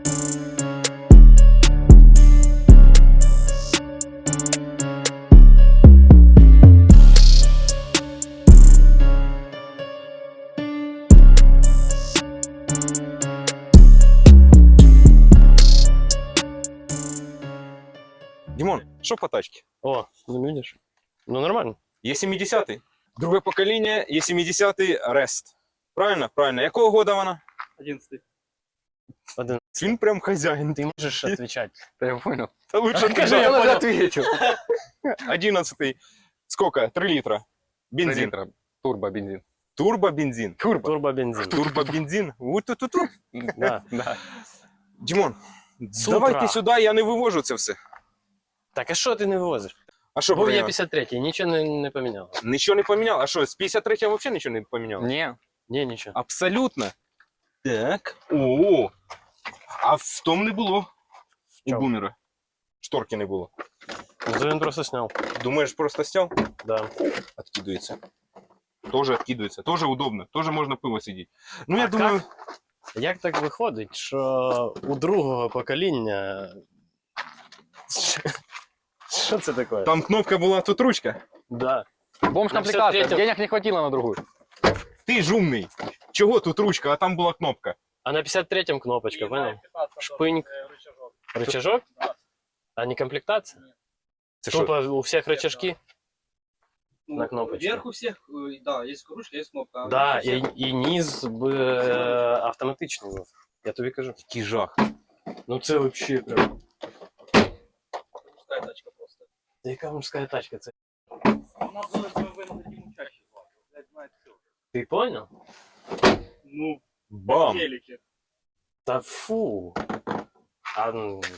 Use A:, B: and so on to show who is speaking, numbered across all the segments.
A: Димон, что по тачке?
B: О, ну видишь? Ну нормально.
A: Е70. Друге покоління, Е70 Рест. Правильно? Правильно. Якого года вона?
C: 11.
A: Він прям хазяїн.
B: Ты можешь отвечать.
D: Да я понял.
A: Та лучше
B: Скажи,
A: ты,
B: я
A: я понял.
D: ответил.
A: 11. Сколько? 3 литра.
D: 3
A: Бензин.
D: литра. Турбо-бензин.
A: Турбо-бензин.
B: Турбобензин.
A: Турбо-бензин. Вот-тут.
B: Да.
D: Да.
A: Димон,
B: С
A: давайте
B: утра.
A: сюди, я не вивожу це все.
B: Так, а що ти не вивозиш?
A: А що
B: Був я
A: поміняв?
B: 53-й, нічого не поміняв.
A: Нічого не поміняв? А що, з 53-го взагалі нічого не поміняв?
D: Не.
B: Ні, нічого.
A: Абсолютно. Так. О. А в тому не було. У
B: чому?
A: бумера. Шторки не було.
B: Ну, він просто сняв.
A: Думаєш, просто стяв?
B: Да.
A: Откидывается. Тоже откидывается. Тоже удобно. Тоже можно пиво сидеть. Ну, я
B: А
A: думаю...
B: Як так виходить, що у другого покоління... Що це таке?
A: Там кнопка была, тут ручка.
B: Да.
D: Бомж-комплектация.
B: На 53-м.
D: Денег не хватило на другую.
A: Ты ж умный. Чего тут ручка, а там была кнопка?
B: А на 53-м кнопочка, понял? Шпыньк. Рычажок? А не комплектация?
A: Це що?
B: Тупо у всех рычажки?
C: Ну,
B: На кнопочке.
C: Вверх у всех, да, есть ручка, есть кнопка. а
B: Да,
C: у всех-
B: і низ автоматичний був. Я тобі кажу.
A: Який жах.
B: Ну це вообще прям.
C: Пустая тачка просто.
B: Та яка мужська тачка? Це...
C: Она была BMW на таким чаще. Блядь, знает все.
B: Ти понял?
C: Ну,
A: Бам.
C: телеке.
B: Та фу. А,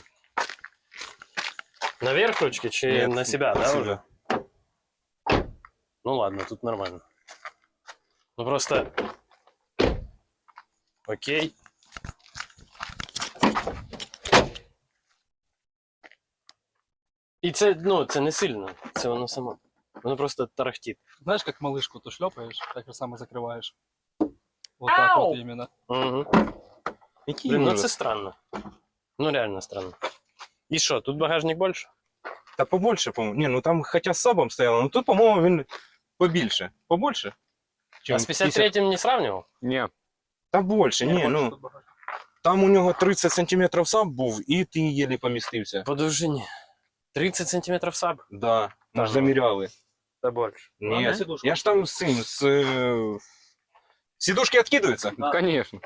B: наверх ручки чи
A: Нет,
B: на себя, да,
A: себя.
B: уже? Ну ладно, тут нормально. Ну просто... Окей. І це, ну, це не сильно, це воно само. Воно просто тарахтить.
E: Знаешь, как малышку ты шлепаешь, так же самое закрываешь. Вот так
B: Ау!
E: вот именно.
B: Угу.
A: Який
B: Блин, ну
A: ужас.
B: це странно. Ну реально странно. І що, тут багажник більше?
A: Та побольше, по-моєму. Ні, ну там хоча з сабом стояло, ну тут, по-моєму, він побільше. Побольше?
B: А з 53-м не сравнивал?
D: Не.
A: Та більше, ні, ну. Там у нього 30 см саб був, і ти єлі помістився.
B: По довжині. 30 сантиметров саб?
A: Да, ми ж
B: Ага.
A: заміряли.
B: Та більше.
A: Ні,
C: сидушку.
A: я ж там з цим, Сидушки откидываются?
D: Ну, конечно.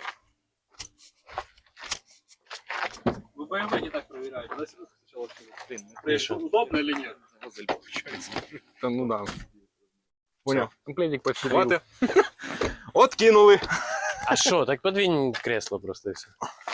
C: Вы BMW не так проверяете. Да, сидушку сначала открыли.
B: Миша.
C: Удобно или нет? Газель получается.
D: Да, ну да. Понял. Комплектик почти.
A: Хватит. Откинули.
B: А що, так подвинь кресло просто і все.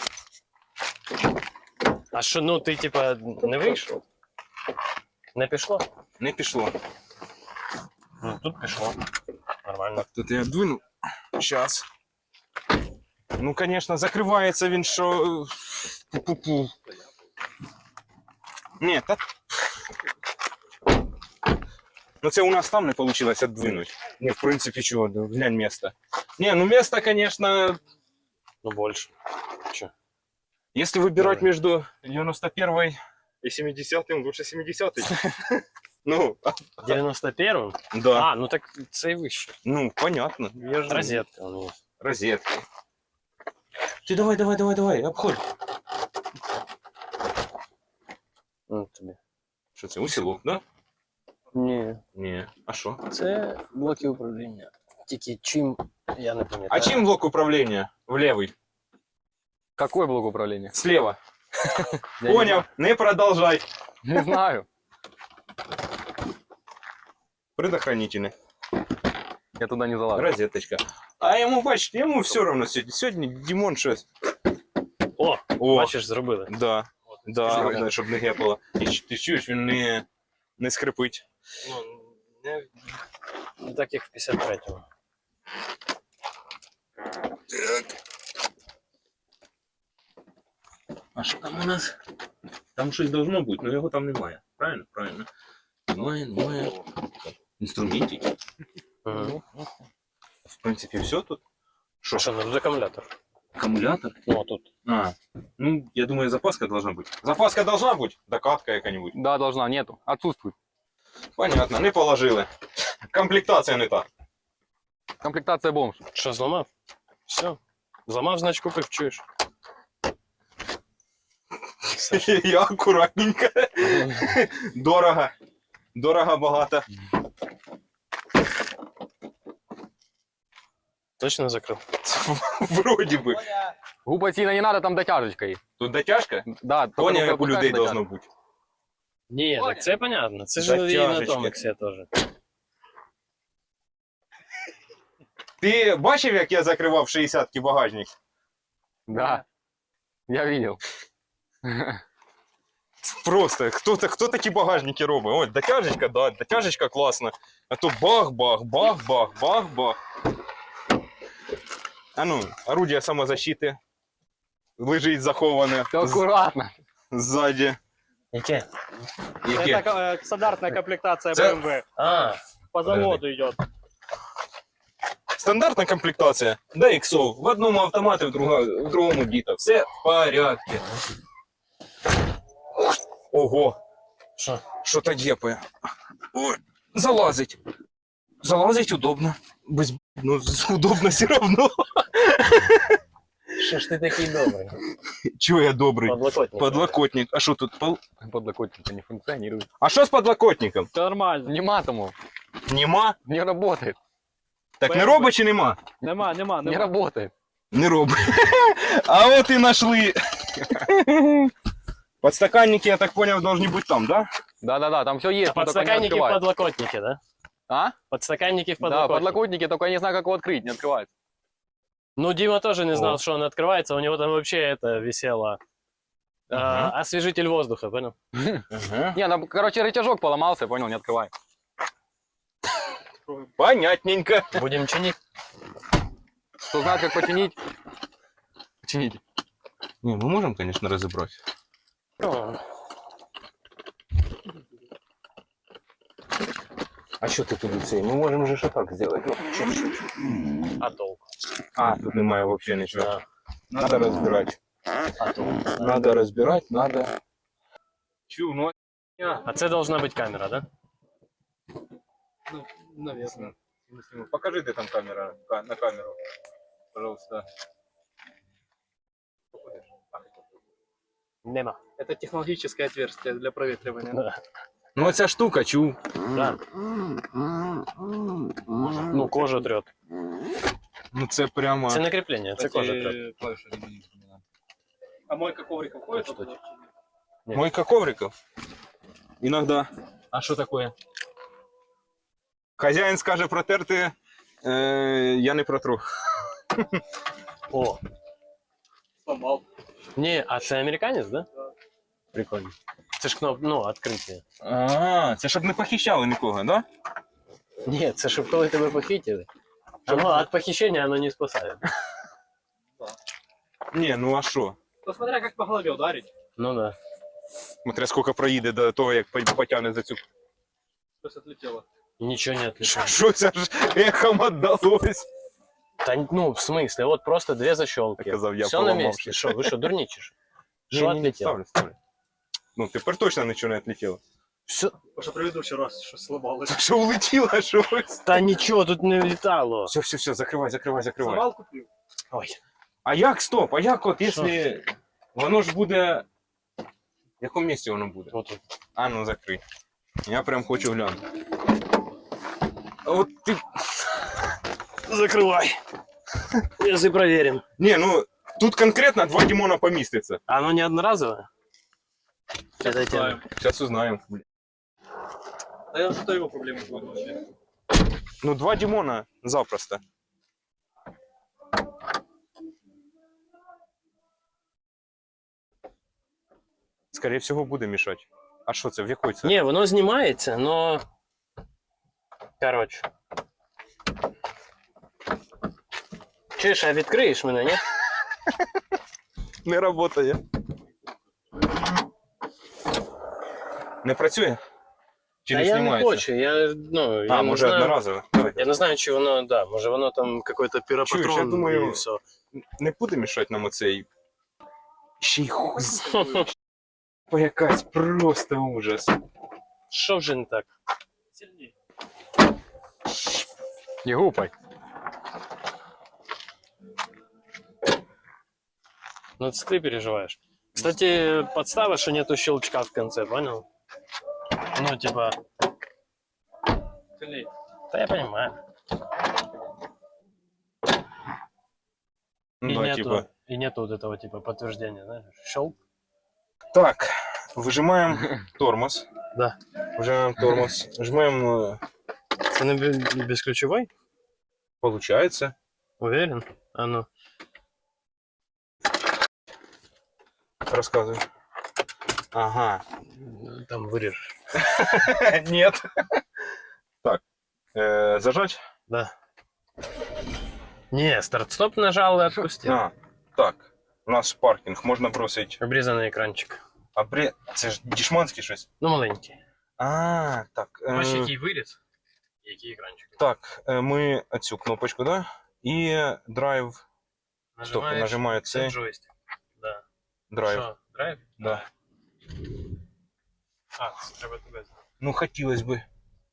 B: А що, ну ти типа не вийшов? Не пішло?
A: Не пішло.
B: Ну тут пішло. Нормально.
A: Так, тут я двину. Сейчас. Ну, конечно, закривається він, що... Пу-пу-пу. Ні, та... Ну, це у нас там не вийшло віддвинути. Ні, в принципі, чого, да, глянь место. Ні, ну место, конечно,
B: Ну більше. Че?
A: если выбирать между 91 и 70, лучше 70. Ну,
B: 91-м?
A: да.
B: А, ну так це і вище.
A: Ну, понятно. Я же...
B: Розетка у неї.
A: Розетки. Ты давай, обходь.
B: Ну тобі.
A: Що це, усілок, да?
B: Ні.
A: Ні. А що?
B: Це блоки управління. Тільки чим, я не пам'ятаю.
A: А чим блок управління? В левый.
D: Какой блок управления?
A: Слева.
D: Я не
A: Понял, не продолжай.
D: знаю. Не знаю.
A: Предохранительный.
D: Я туда не залазил.
A: Розеточка. А йому, бачите, йому все равно сьогодні. Сьогодні Дімон щось.
B: О,
A: О,
B: бачиш, зробили.
A: да. Да, щоб не гепало. І ти чуєш, він не скрипить.
B: Ну, не так, як в 53-му.
A: А що там у нас? Там щось должно бути, але його там немає. Правильно? Правильно. Немає. Інструментів.
B: Угу.
A: В принципі, все тут.
B: Що, ну тут акумулятор.
A: Акумулятор?
B: Ну, а тут.
A: А, Ну, я думаю, запаска должна быть. Запаска должна быть? Докатка какая-нибудь.
D: Да, должна, нету. Отсутствует.
A: Понятно, не положили. Комплектація не та.
D: Комплектация бомж.
B: Що, зламав? Все. Зламав, значить купив, чуєш.
A: Я акуратненько. Дорого. Дорого, багато.
B: Точно закрив?
A: Вроді би.
D: Губа сильно не надо, там дотяжечка есть.
A: Тут дотяжка?
D: Да, только
A: Поняв,
D: только
A: як у людей
D: дотяжка.
A: должно бути.
B: Ні, так це понятно. Це ж і на
A: Затяжечки.
B: Томексі теж.
A: Ти бачив, як я закривав 60-ки багажник?
D: Да, я видел.
A: Просто, хто такі багажники робить? Ось, дотяжечка, да, дотяжечка класна. А то бах-бах, бах-бах, бах-бах. А ну, орудие самозащити лежить заховане
D: Все аккуратно.
A: ззаді.
B: Яке?
A: Яке?
C: Это стандартная комплектация
A: Це-
C: BMW.
B: А,
C: По заводу идет.
A: Стандартна комплектація. Да, іксов. В одному автоматі, в другому діта. Все в порядку. Ого,
B: що?
A: що-то дєпає. Ой, залазить. Залазить удобно. Без... Ну, удобно все равно.
B: Що ж ти такий добрий?
A: Чого я добрий?
B: Подлокотник.
A: Подлокотник. А що тут?
D: Подлокотник не функционирует.
A: А що з подлокотником?
C: Все нормально.
D: Нема тому.
A: Нема?
D: Не работает.
A: Так не робить чи нема?
C: Нема.
D: Не работает.
A: Не робить. А от і нашли. Подстаканники, я так понял, должны быть там, да?
D: Да, там все есть. но только не
B: Подстаканники в
D: открывается.
B: подлокотнике, да?
D: А?
B: Подстаканники в
D: Да,
B: подлокотнике.
D: подлокотники, только я не знаю, как его открыть, не открывается.
B: Ну, Дима тоже не знал,
A: О.
B: что он открывается. У него там вообще это висело. Освежитель воздуха, понял?
A: Ага.
D: Не, ну, короче, рычажок поломался, понял, не открывай.
A: Понятненько.
B: Будем чинить.
D: Кто знает, как починить, почините.
A: Не, мы можем, конечно, разобрать.
B: Ну,
A: А что ты тут цей? Мы можем же что так сделать.
B: а толку?
A: А, тут немає вообще ничего.
B: Да.
A: Надо разбирать.
B: А толку?
A: Надо разбирать, надо. Чу, ну.
B: А це должна быть камера, да?
C: Ну, наверное.
A: Покажи, где там камера на камеру. Пожалуйста.
B: Нема.
C: Это технологическое отверстие для проветривания.
B: Да.
A: Ну оця штука, чу.
B: Да. Ну, кожа трет.
A: Ну це прямо.
B: Це не крепление, це кожа трет.
C: А мойка коврика входит?
B: Что
C: туда?
A: Мойка ковриков. Иногда.
B: А что такое?
A: Хазяїн скаже протерти, я не протру.
B: О,
C: Сломал.
B: не, а це американець, да?
C: Да.
B: Прикольно. Це ж кноп, ну, відкриття.
A: А, це щоб не похищали нікого, да?
B: Ні, це щоб коли тебе похитили. Ну, від похищення воно не спасає.
A: Ні, ну а що?
C: Ну, смотря как по голове ударить.
B: Ну да.
A: Смотря скільки проїде до того, як потягне за цю.
C: Просто отлетело.
B: І нічого не отличає.
A: Що це ж ехом отдалось?
B: Та ну, в смысле, от просто дві защелки.
A: Казав я,
B: Все на
A: поламав
B: місці.
A: щось.
B: Що, ви що, дурні чи що? Що
A: Ні,
B: отлетіло?
A: ставлю. Ну, тепер точно нічого не отлетіло.
B: Все.
C: Потому что предыдущий раз что сломалось.
A: Що улетіло, щось?
B: Та нічого тут не влітало.
A: Все, закривай.
C: Сломал, купил.
B: Ой.
A: А як, стоп, а як от, якщо воно ж буде... В якому місці воно буде?
B: От.
A: А, ну закрий. Я прям хочу глянути. От ти...
B: Закривай. Если проверим.
A: Не, ну, тут конкретно 2 Димона поміститься.
B: Оно не одноразовое? Это тема.
A: Сейчас узнаем.
C: А я зато его проблемы будут вообще.
A: Ну, 2 Димона запросто. Скорее всего, буде мішати. А що це? В якої це?
B: Не, воно знімається, но... Короче. Чуєш, а відкриєш мене, ні?
A: Не працює. Не працює? Чи
B: Та
A: не
B: я не
A: знімається?
B: хочу, я, ну, я
A: А,
B: не
A: може
B: знаю.
A: одноразово. Давай.
B: Я не знаю, чи воно, да, може воно там какой-то
A: Чуєш, я
B: піропатрон
A: думаю,
B: і все.
A: Не буде мішати нам оцей Ще й якась просто ужас.
B: Що вже не так?
C: Сильнее.
D: Не гупай.
B: Ну, это ты переживаешь. Кстати, подстава, что нету щелчка в конце, понял? Ну, типа...
C: Сильнее.
B: Да я понимаю.
A: Ну, да, типа.
B: И нету вот этого, типа, подтверждения, знаешь? Щелк.
A: Так, выжимаем тормоз.
B: Да.
A: Выжимаем тормоз. Нажимаем.
B: Ты на бесключевой?
A: Получается.
B: Уверен? А ну.
A: Рассказывай. Ага.
B: Там вырежешь.
A: Нет. Так. Зажать?
B: Да. Не, старт-стоп нажал и отпустил.
A: А, так. У нас паркінг, можна бросить.
B: Обрізаний екранчик.
A: Це ж дішманський щось.
B: Ну, маленький.
A: А, так.
B: Бачиш, який виріз, який екранчик.
A: Так, ми цю кнопочку, да? І драйв. Стоп, нажимаю
B: це
A: цей.
B: джойстик. Да.
A: Драйв.
B: Що, драйв?
A: Да.
B: А, це треба тебе знати.
A: Ну, хотілось би.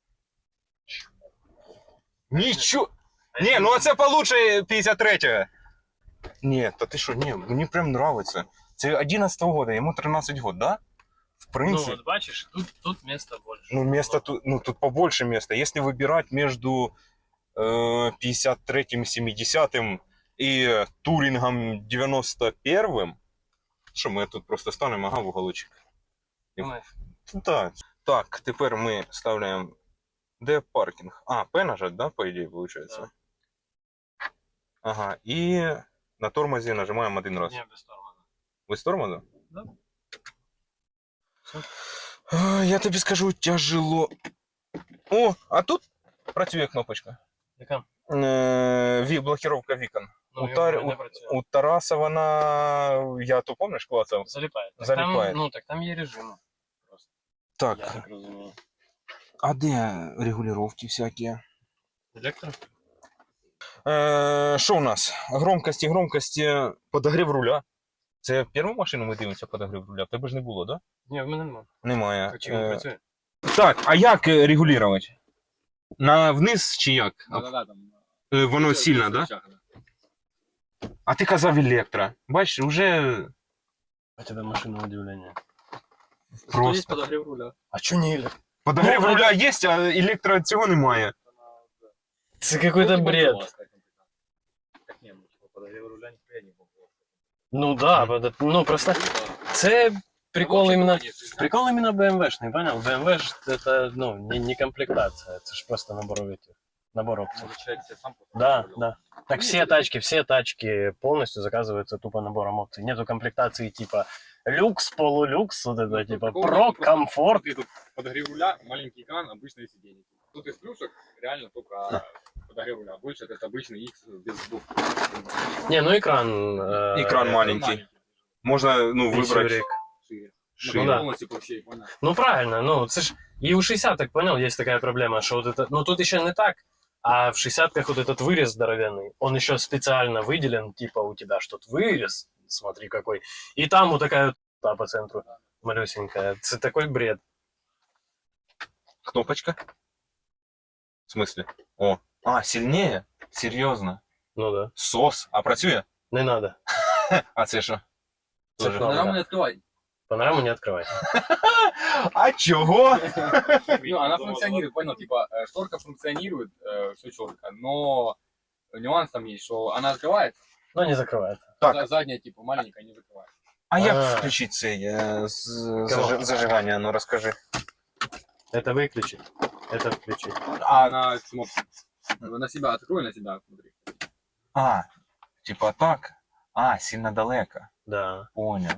A: Нічого. Ні, ну це получше 53-го. Ні, та ти що, ні, мені прям нравиться. Це 11-го года, йому 13 год, да? В
B: Ну,
A: принципе.
B: вот бачишь, тут места больше.
A: Ну, место тут, ну, тут побольше места. Если выбирать между 53-м, 70-м и Турингом 91-м, що ми тут просто станемо, ага, в уголочок.
B: Думаешь?
A: Так. Так, тепер ми ставляємо. Де паркінг? А, П нажать, да, по ідеї, виходить?
B: Да.
A: Ага, і на тормозі нажимаємо один раз.
B: Не, без тормоза.
A: Ви з тормоза?
B: Да.
A: Я тобі скажу, тяжело. О, а тут працює кнопочка.
B: Яка?
A: Блокировка вікон.
B: Ну,
A: У Тараса вона, я то помниш, клацав?
B: Залипает. Так
A: Залипает.
B: Там, ну, так там є режими. Просто.
A: Так,
B: Я так розумію.
A: а де регулировки всякі?
B: Електро?
A: Що у нас? Громкості, подогрів руля. Це першу машину ми дивимося подогрів руля? В тебе ж не було, так? Да?
B: Ні, в мене нема.
A: Немає.
B: А чим працює?
A: Так, а як регулювати? На вниз чи як?
C: Да-да-да, там.
A: Воно сильно, так? Да? А ти казав електро. Бачиш, уже
B: У тебе машина удивлення.
C: Зато есть
A: просто.
C: подогрев руля.
B: А чо не електро?
A: Подогрів
B: Ну,
A: руля є, а електро цього немає.
B: Це какой-то бред.
C: Так не, ну, типа, подогрев руля нихуя не было.
B: Ну да, ну просто це прикол именно... Прикол именно BMW-шный, понял? BMW ж это, ну, не комплектация, это ж просто набор опций.
C: Может, человек себе сам
B: Да, да. Так все тачки полностью заказываются тупо набором опций. Нету комплектации типа люкс, полулюкс, вот это типа про, комфорт.
C: Тут подогрев руля, маленький экран, обычное сиденье. Тут из плюшек реально только подогрев руля. Больше это обычный X без двух.
B: Не, ну экран...
A: Экран маленький. Можна, ну, вибрати.
B: Шире.
C: Шире.
A: Шире.
C: Ну,
B: да.
C: полностью по всей, понял?
B: Ну правильно, ну це ж и у 60 так понял, есть такая проблема, что вот это, ну тут еще не так, а в 60-ках вот этот вырез здоровенный, он еще специально выделен, типа у тебя что-то вырез, смотри какой, и там вот такая вот по центру малюсенькая, это такой бред.
A: Кнопочка. В смысле? О. А, сильніше? Серйозно?
B: Ну да,
A: СОС. А працює?
B: не надо,
A: А це що?
B: Це
A: Тоже.
B: кнопка.
C: Панораму не открывай.
B: панораму не открывай.
A: А чого?
C: Ну, она функционирует, понял, типа, шторка функционирует, все четко, но нюанс там есть, что она открывается,
B: Но не закрывает.
A: Так.
C: задняя, типа, маленькая не закрывается.
A: А як
B: А.
A: включити цей
B: Кого?
A: зажигання? Ну розкажи.
B: Это выключить, это включить.
C: А она кнопка. На себя открой, на себя смотри.
A: А, типа так. А, сильно далеко.
B: Да.
A: Понял.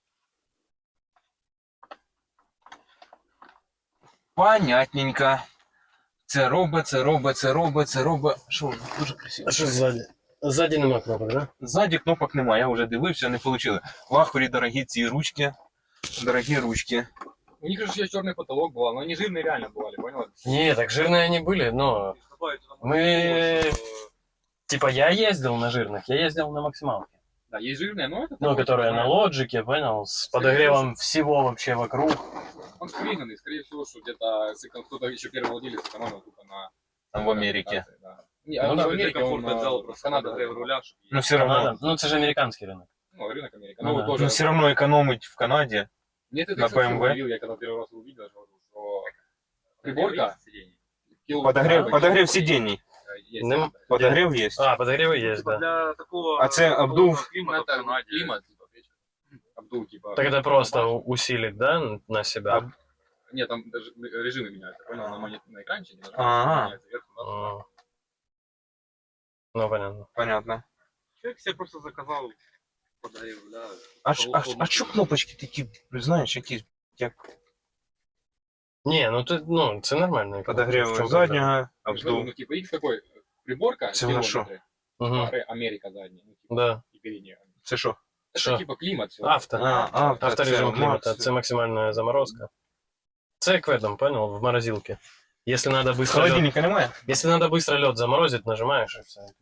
A: Понятненько. Це робить. Що воно? Дуже красиво.
B: А что сзади? Сзади нема кнопок, да?
A: Ззаді кнопок немає, я вже дивився, не вийшло. В Ахурі дорогі ці ручки. Дорогі ручки.
C: У них же еще черный потолок был, но они жирные реально бывали, понял?
B: Не, так жирные они были, но мы... Типа я ездил на жирных, я ездил на максималке.
C: Да, есть жирная, но это...
B: Ну,
C: такой,
B: которая
C: типа,
B: на лоджике, понял, с подогревом всего вообще вокруг.
C: Он скриненный, скорее всего, что где-то кто-то еще первый владелец сэкономил только на...
A: Там в Америке.
C: Да. Не,
B: Ну
C: он
B: да,
C: в Америке, он
D: взял
C: просто Канада руля.
A: Ну все равно.
B: Канада. Ну, это же американский рынок.
C: Ну, рынок Америки.
B: Ну
C: Ну,
B: да.
C: тоже...
A: Но все равно экономить в Канаде.
C: Нет, это
A: на
C: кстати,
A: BMW.
C: удивил, я когда первый раз увидел, я же говорю, что приборка...
A: Подогрев сидений.
C: Есть.
B: Ну,
A: Подогрев есть.
B: А, подогревы есть, да.
D: Для такого...
A: А це обдув.
D: климата в
C: Это
D: Канаде.
C: климат, типа, вечер. Обдув, типа...
B: Так это просто усилит, да, на себя?
C: Нет, там даже режимы меняются, понял? На экранчике
A: Ага.
C: меняется вверх-вниз.
B: Ну, понятно.
A: Понятно.
D: Человек себе просто заказал, подарил, да.
A: А що кнопочки такі, знаєш, які як
B: Не, ну ты, ну, это нормально. В
A: подогрів
B: чём
A: заднього,
C: Ну,
A: обдув.
C: типа, X такой, приборка,
A: Це вона що?
C: километры,
B: проблема? Мгм.
C: Америка задняя, ну, типа,
B: Да.
C: и передняя.
A: Це що?
C: Это
B: Що?
C: типа климат, все.
B: Авто. Авторежим
A: це
B: климата.
A: Макс.
B: Это максимальная заморозка. Це як в этом, понял, в морозилке. Если надо быстро лед,
A: Холодильника немає?
B: если надо быстро лед заморозить, нажимаешь и все.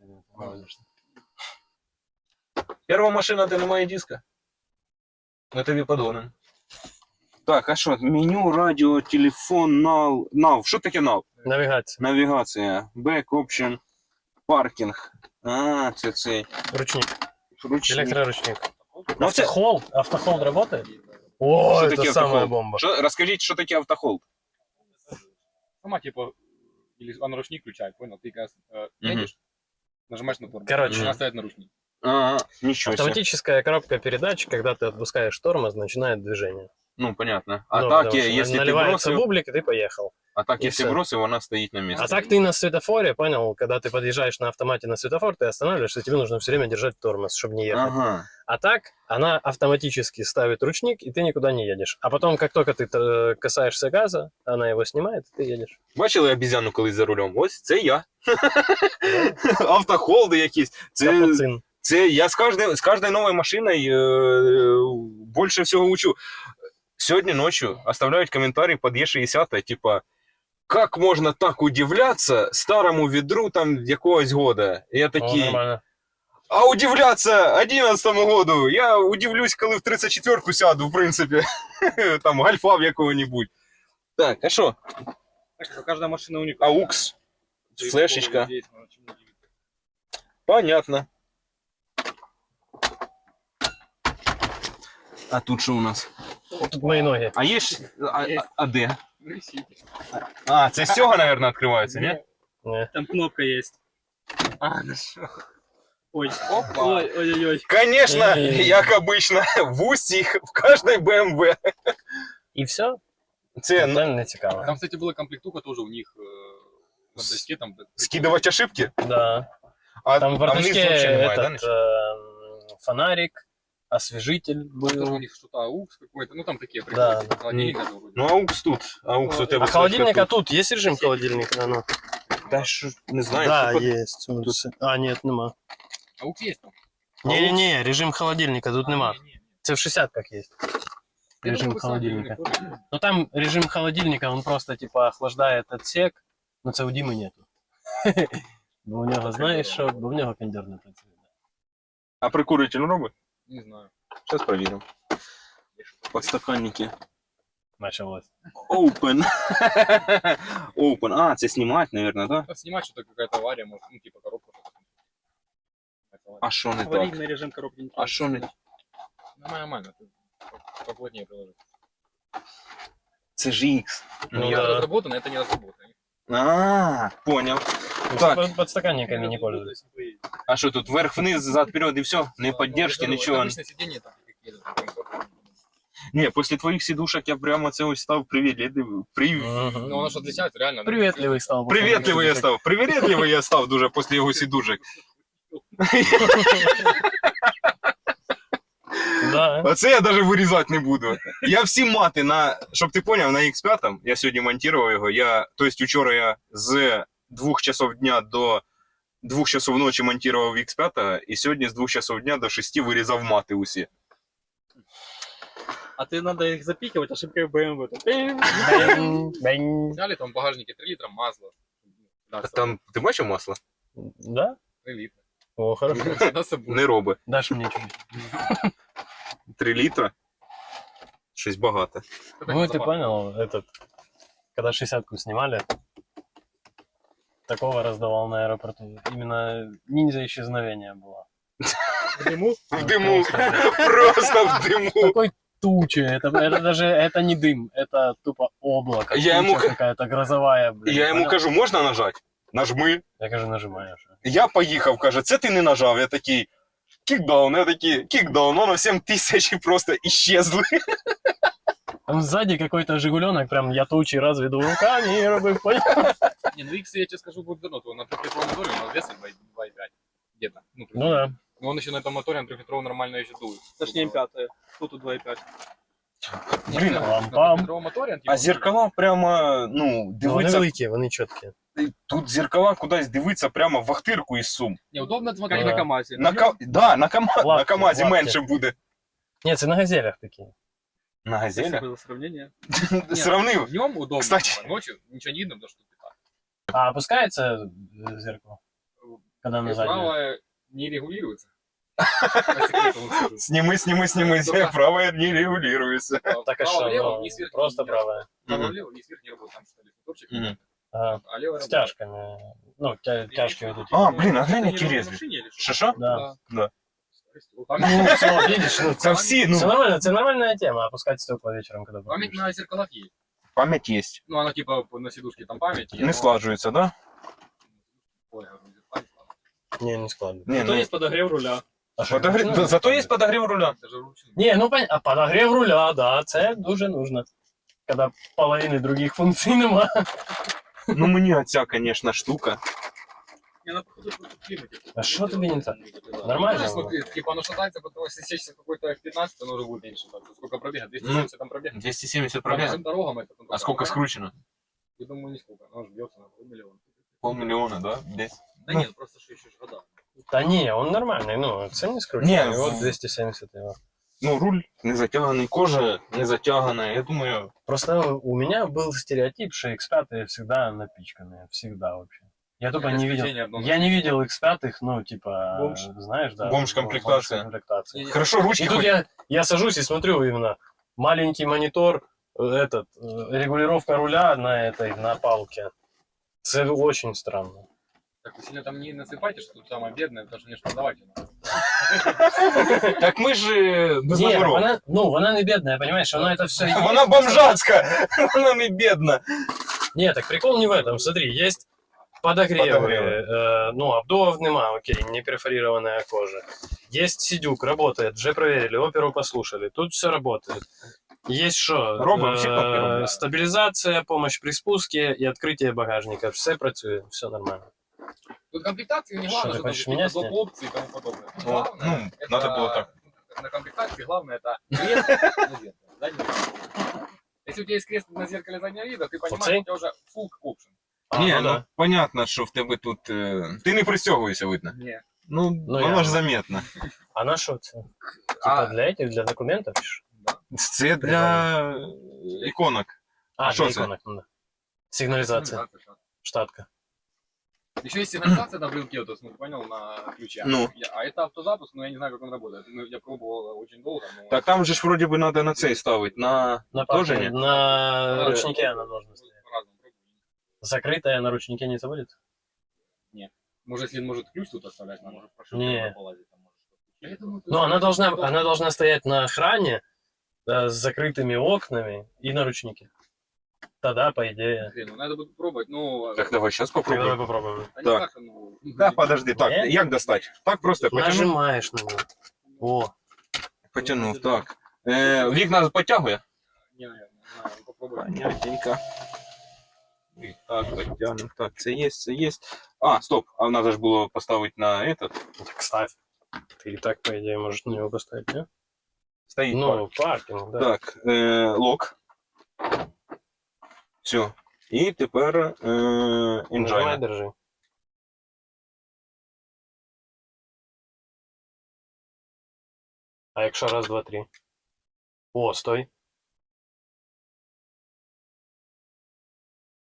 A: Перша машина, де немає диска. Ми тобі подоним. Так, а що? Меню, радіо, телефон, nav. Що таке nav?
B: Навигация.
A: Навігація, back option, паркінг. А, це цей.
B: Ручник.
A: Ручник.
B: Электроручник.
A: Ну, це...
B: Автохолд работает? О,
A: Что
B: это
A: такое
B: самая
A: автохолд?
B: бомба.
A: Розкажіть, що таке автохолд?
C: Сама, типа, или она ручник включает, понял? Ты когда
A: Мгм.
C: едешь, нажимаешь на тормоз.
B: Короче.
C: Она ставит на ручник.
A: А, нічого себе.
B: Автоматическая коробка передач, когда ты отпускаешь тормоз, начинает движение.
A: Ну, понятно. А
B: Ну,
A: так,
B: потому что
A: якщо ти
B: наливается
A: бросив,
B: бублик, и ты поехал.
A: а так,
B: и
A: якщо
B: всё.
A: бросив, вона стоїть на місці.
B: А так ты на светофоре, понял, когда ты подъезжаешь на автомате на светофор, ты останавливаешься, тебе нужно все время держать тормоз, чтобы не ехать.
A: Ага.
B: А так она автоматически ставит ручник, и ты никуда не едешь. А потом, как только ты касаешься газа, она его снимает, и ты едешь.
A: Бачили обізяну колись за рулем? Ось це я. Автохолди якісь.
B: Капуцин.
A: Це я з кожною новою машиною більше всього учу. Сьогодні ночью оставляють коментарі під Е60, типа, як можна так удивляться старому відру там якогось года? І я
B: О,
A: такий,
B: нормально.
A: а удивляться 11-му году, я удивлюсь, коли в 34-ку сяду, в принципі, там гальфа в якого-нибудь. Так, а що?
D: Так что каждая машина уникальна.
A: Аукс, флешечка. Понятно. А тут що у нас?
B: Тут мои ноги.
A: А є ж... А де? А, це з цього, мабуть, відкривається, ні?
B: Не.
D: Там кнопка есть. А, нашел. Ой,
C: Опа.
D: ой-ой-ой.
A: Конечно,
B: Эй.
A: як обычно, в усіх, в кожній BMW.
B: И все?
A: Це
B: Тотально не цікаво.
C: Там, кстати, была комплектуха тоже у них на доске там.
A: скидувати ошибки?
B: Да.
A: А
B: Там в
A: вниз
B: бардачке
A: взагалі немає, да,
B: этот
A: нічого?
B: фонарик, освежитель
C: Тоже у
B: был.
C: них что-то AUX какой-то, ну там такие
B: Да.
C: прикольные. Холодильник даже вроде.
A: Ну, аукс тут. Аукс у тебе.
B: А холодильника
A: тут.
B: тут есть режим холодильника? Ну.
A: Та що, не знаю.
B: Да,
A: тут-
B: есть. А, нет, нема.
C: AUX есть там.
B: Не-не-не, режим холодильника тут нема. Це в 60-ках есть. Режим
C: Я
B: холодильника.
C: думаю, просто
B: Ну там режим холодильника, он просто типа охлаждает отсек, но це у Діми нету. Бо у нього, знаєш що, бо в нього кондер не працює.
A: А прикурюватель робить?
C: Не знаю.
A: Зараз перевіримо. Подстаканники.
B: Началось.
A: Open. Open. А, це знімати, мабуть, да?
C: А снимать что-то какая-то авария, может, ну типа коробка.
A: А що не так?
D: Аварийный режим коробки не
A: А що не...
C: Нормально. Ты поплотнее приложи.
A: Це ж X.
B: Ну
C: Ну,
B: да.
C: это разработано, это не разработано.
A: А, понял.
B: Ну,
A: Так.
B: Подстаканниками не пользуюсь.
A: А що тут, вверх-вниз, зад-вперед і все? Не поддержки,
C: Это
A: нічого.
C: обычное сиденье там какие-то там комфортные.
A: Ні, після твоїх сидушок я прямо це ось став привітливий.
C: Ну, оно же отличается, реально.
B: Приветливый стал.
A: Привітливий я став. Привітливий я став дуже після його сидушок.
B: Да.
A: Оце я навіть вирізати не буду. Я всі мати на, щоб ти поняв, на X5, я сьогодні монтував його, тобто вчора я з 2 часов дня до 2 часов ночі монтував X5, і сьогодні з 2 часов дня до 6 вирізав мати усі.
D: А ты надо их запикивать ошибкой BMW.
B: Бэнь, бэнь.
C: Взяли там в багажнике 3 литра масла. Да,
A: А там, ти бачив масло?
B: Да?
C: 3 литра.
B: О, хорошо.
C: Всегда с собой.
A: Не робить.
B: Дашь мне чуть.
A: 3 літра. Щось багато.
B: Ну, ты понял, этот, когда 60-ку снимали, такого раздавал на аэропорту. Именно ниндзя исчезновения было.
C: В дыму?
A: В диму. Просто в диму.
B: Такой тучи, это даже, это не дым, это тупо облако.
A: Я ему
B: туча какая-то грозовая, блин.
A: Я йому
B: понял?
A: кажу, можна нажати? Нажми.
B: Я кажу, нажимаешь.
A: Я поїхав, каже, це ти не нажав. Я такий, кікдаун, я такий, кікдаун, воно 7000 просто іщезли.
B: Там сзади какой-то жигуленок, прям я тучи разведу руками и робив, понял?
C: Не, ну X, я тебе скажу, будет давно. То на 3-литровом моторе он весит 2,5 где-то.
B: Ну да.
C: Но он еще на этом моторе, на 3-литровом нормально еще дует.
E: Точнее, 5. Тут 2,5.
A: Блін,
C: На
B: лампам.
C: 3-литровом моторе он, типа,
A: А зеркала прямо, ну,
B: Ну, вони
A: дивиться,
B: великі, вони чіткі.
A: тут зеркала кудись дивиться прямо в вахтирку із Сум.
C: Не, удобно смотреть.
E: Как
B: Да.
E: на КамАЗе.
A: Да, на
B: Лапки,
A: КамАЗі
B: лапки.
A: менше буде.
B: Ні, це на газелях такі.
A: На газелях?
E: Спасибо за сравнение.
A: Сравнив.
C: Днем удобно,
A: Кстати.
C: типа, ночью ничего не видно, потому что ты так.
B: А опускается зеркало? Когда на заднее?
C: Правое не регулируется. По секрету вам скажу.
A: Сними. Правое не регулируется.
B: Так а
C: Право,
B: что,
C: лево,
B: ну,
C: вниз, вверх,
B: просто
C: не работает.
B: правое.
C: Право,
A: Мгм.
C: лево, вниз, вверх не работает. Там что-то моторчик.
A: Мгм.
B: Ага.
C: А лево
B: С
C: работает.
B: тяжками. Ну, тяжки вот эти.
A: А, блін, а глянь,
C: Это
A: які
C: не на
A: резві.
C: машине или что?
A: Що?
B: Да.
A: Да.
C: Вот так.
B: Ну, все, видишь, ну,
A: Це всі,
B: Це
A: ну,
B: нормально, это нормальная тема, опускать стекла вечером, когда
C: Память
B: будешь.
C: на зеркалах есть.
A: пам'ять є.
C: Ну, она типа на сидушке там память.
A: Не слажується, да?
C: Ой, я говорю, зеркальце.
B: Не, не складно.
A: Ні,
E: Зато
A: ну,
E: есть подогрев руля.
B: А що,
A: подогрів...
B: ну,
A: Зато є подогрів руля.
C: Даже ручную.
B: Ні, ну понятно, а подогрев руля, да, це дуже нужно. Когда половины других функций нема.
A: Ну, мені оця, звісно, штука.
C: Не, она походу просто в климате.
B: А что тебе не так?
C: Ну,
B: Нормально?
C: смотри, типа оно шатается, потом если сечься какой-то F15, оно уже будет меньше. шататься. Сколько пробега? 270 там пробега.
A: 270
C: По нашим дорогам это.
A: А сколько скручено?
C: Я думаю, не сколько. Оно же бьется на полмиллиона.
A: Полмиллиона, да? Десь.
C: Да
A: Ну.
C: нет, просто что еще ж года.
B: Да не, он нормальный, ну, це не скручено.
A: Не,
B: Вот
A: в-
B: 270 его.
A: Ну, руль не затяганий, кожа не затягана. Я думаю,
B: Просто у меня был стереотип, что X5 всегда напичканные, всегда вообще. Я тупо не видел. Я не видел X5, ну, типа,
E: Бомж.
B: знаешь, да.
A: Бомж-комплектация.
B: бомж-комплектация.
A: хорошо,
B: И
A: ручки
B: тут
A: хоть...
B: я сажусь и смотрю именно маленький монитор, регулировка руля на палке. Это очень странно.
C: Так вы сильно там не насыпайте, что тут самое бедное, потому что мне ж продавать надо.
A: Так ми ж без
B: Не,
A: номеров.
B: вона не бедная, понимаешь, она это все.
A: Вона бомжацька, вона не бідна.
B: Не, так прикол не в этом. Смотри, есть подогревы,
A: Подогревы.
B: ну, обдувов нема, окей, не перфорированная кожа. Есть сидюк, работает, уже проверили, оперу послушали, тут все работает. Есть что?
A: Робимо всі кнопки робимо.
B: Стабилизация, помощь при спуске и открытие багажника. Все працює, все нормально.
C: Тут комплектации не
B: Что,
C: главное,
B: ты
C: что там
B: хочешь
C: какие-то
B: меня
C: доп.
B: снять?
C: опции и тому подобное.
A: Ну,
C: Главное, это-
A: надо было так.
C: На комплектации главное это крест на зеркале, задний вид. Если у тебя есть крест на зеркале заднего вида, ты понимаешь,
B: Оцей?
C: у тебя уже full option.
A: Ні,
B: ну
A: ну
B: да.
A: понятно, що в тебе тут. Ти не пристягуєшся, видно.
C: Не.
A: Ну,
B: Ну,
A: воно
B: я-
A: ж заметно.
B: А на що це?
C: А,
B: Типа для этих, для документов? пишешь?
A: Це для іконок.
B: А,
A: Що
B: для
A: це?
B: иконок, ну да. Сигнализация, штатка.
C: Еще есть сигнализация на брелке, то есть, ну, ты понял, на ключе.
A: Ну.
C: А это автозапуск, но я не знаю, как он работает. Ну, я пробовал очень долго, но...
A: Так там же ж вроді би треба на цей ставити, на
B: На
A: Тоже
B: папке,
A: нет?
B: на
C: Да,
B: ручнике она должна стоять.
C: По-разному пробую.
B: Закрытая на ручнике не забудет?
C: Может, если может ключ тут оставлять, она может прошить,
B: Не.
C: полазить. Там, может, я думаю,
B: Ну, она должна стоять на охране, с закрытыми окнами и на ручнике. Тогда, по идее.
C: Ну, надо будет пробовать, ну...
A: Так, давай зараз
B: Давай
A: попробуємо.
B: попробуем.
C: а не
A: так.
C: так, ну...
A: Так, подожди, так,
B: Ні?
A: як достати? Так просто потягнув.
B: Нажимаешь на него. О,
A: Потягнув, так. Вікна потягує?
C: Не, не, знаю, попробуй.
A: Понятненько. І так, потягнув. Так, це є, це є. А, стоп, а надо ж було поставити на этот.
B: так ставь. Ты и так, по идее, можешь на него поставить, не?
A: Стоїть пар.
B: Ну, паркинг, да.
A: Так, лок. Все. І тепер
B: Нажимай,
A: інжайна.
B: держи. А якщо раз, два, три. О, стой.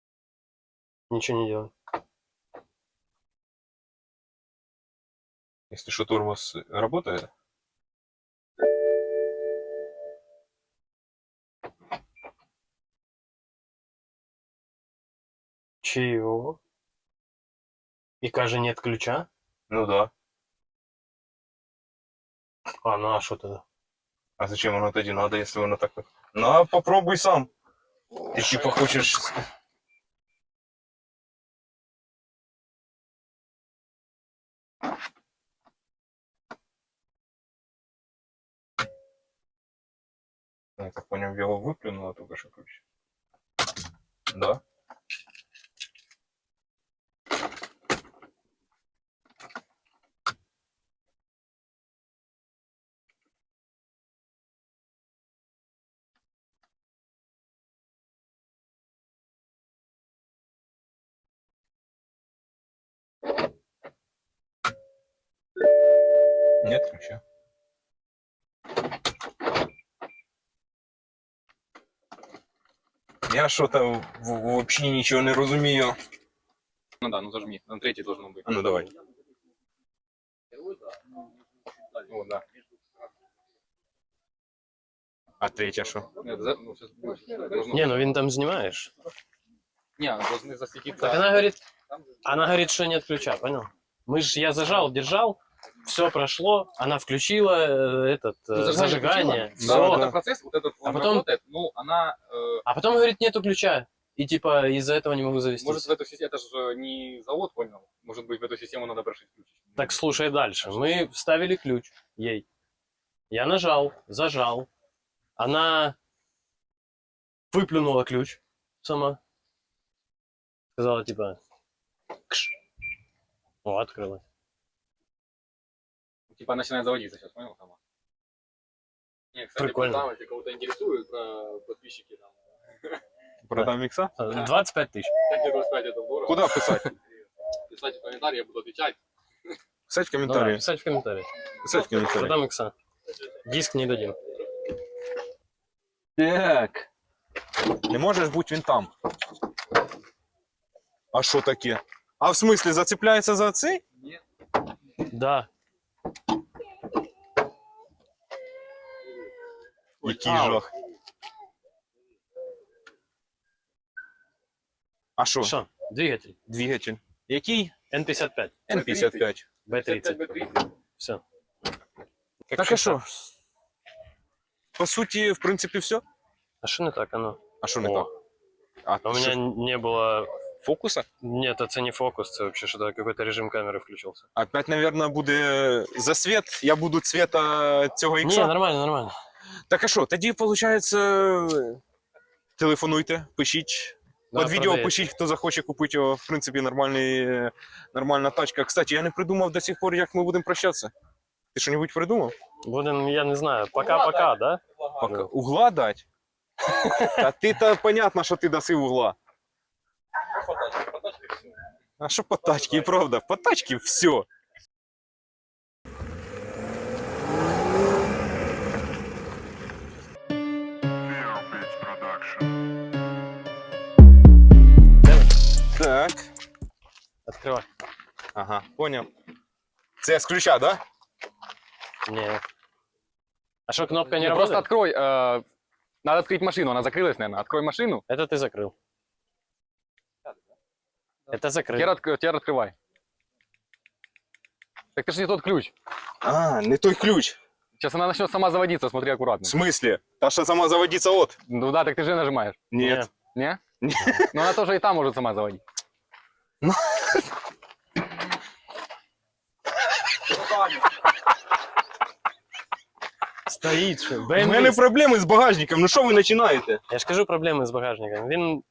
B: Ничего не делай.
A: Если что, тормоз работает.
B: Чего? И каже, нет ключа?
A: Ну да.
B: А, ну а что тогда?
A: А зачем оно тоді надо, если оно так... На, попробуй сам. Ты типа хочешь... Я так понял, его выплюнуло только что ключ. Да. Нет ключа. Я что-то вообще ничего не разумею.
C: Ну да, ну зажми. На третий должно быть.
A: А ну давай.
C: Вот, да.
A: А третья что?
C: Нет, ну, сейчас должно...
B: Не, ну він там знімаєш.
C: Не, должны засветиться.
B: Так она говорит, что нет ключа, понял? Я зажал, держал, все прошло, она включила
C: Ну,
B: зажигание,
C: включила.
B: все.
C: Да, вот этот процесс, вот этот, он
B: потом-
C: работает, ну, она...
B: А потом говорит, нету ключа. И типа из-за этого не могу завестись.
C: может, в эту систему, это же не завод, понял? Может быть, в эту систему надо прошить ключ.
B: Так слушай дальше. Мы вставили ключ ей. Я нажал, зажал. Она выплюнула ключ сама. Сказала типа... Кш. О, открылась.
C: Типа начинает заводиться сейчас, понял, сама? Не, кстати,
B: Прикольно.
C: там, если кого-то интересует, подписчики там.
A: Продам микса?
B: 25 тысяч.
C: Как тебе сказать, это здорово.
A: Куда писать?
C: Писать в комментарии, я буду отвечать.
A: Писать в
B: Давай,
A: комментарии.
B: писать в комментариях.
A: Писать в комментарии.
B: Продам икса. Диск не дадим.
A: Так. Не можешь быть винтом. А что таке? А в смысле, зацепляется за цей?
C: Нет.
B: Да.
A: Який жах. А що?
B: Что? Двигатель.
A: Двигатель. Який?
B: N55.
A: N55.
B: B30. Все.
A: Так а що? По суті, в принципі, все.
B: А что не так оно?
A: А що не
B: О.
A: так? А
B: У меня не было...
A: фокуса?
B: Нет, это не фокус, это вообще что-то, какой-то режим камеры включился.
A: Опять, наверное, буде засвіт. Я буду цвета цього
B: Не,
A: ікса.
B: нормально, нормально.
A: Так а що, тоді, виходить, телефонуйте, пишіть.
B: Да,
A: Под відео
B: продається.
A: пишіть, хто захоче купити його. В принципі, нормальна тачка. Кстати, я не придумав до сих пор, як ми будемо прощатися. Ти що-небудь придумав?
B: Будем, я не знаю, пока-пока, да?
A: Пока. Угла дать? А ти-то понятно, що ти даси угла. А що по тачці? І правда, по тачці все. Так.
B: Открывай.
A: Ага, понял. Це з ключа, да?
B: Не. А что, кнопка не
C: Не, просто
B: работает?
C: открой. Надо открыть машину, она закрылась, наверное. Открой машину.
B: Это ты закрыл. Это закрыл.
C: Теперь открывай. Так это же не тот ключ.
A: А, не той ключ.
C: Сейчас она начнет сама заводиться, смотри
A: В
C: аккуратно.
A: смысле? Та що сама заводиться от?
C: Ну да, так ты же нажимаешь.
A: Нет.
C: Не?
A: Не.
C: Но она тоже и там может сама заводить.
B: Стоит, что.
A: У мене проблеми з багажником, ну що ви починаєте?
B: Я ж кажу, проблемы с багажником. Він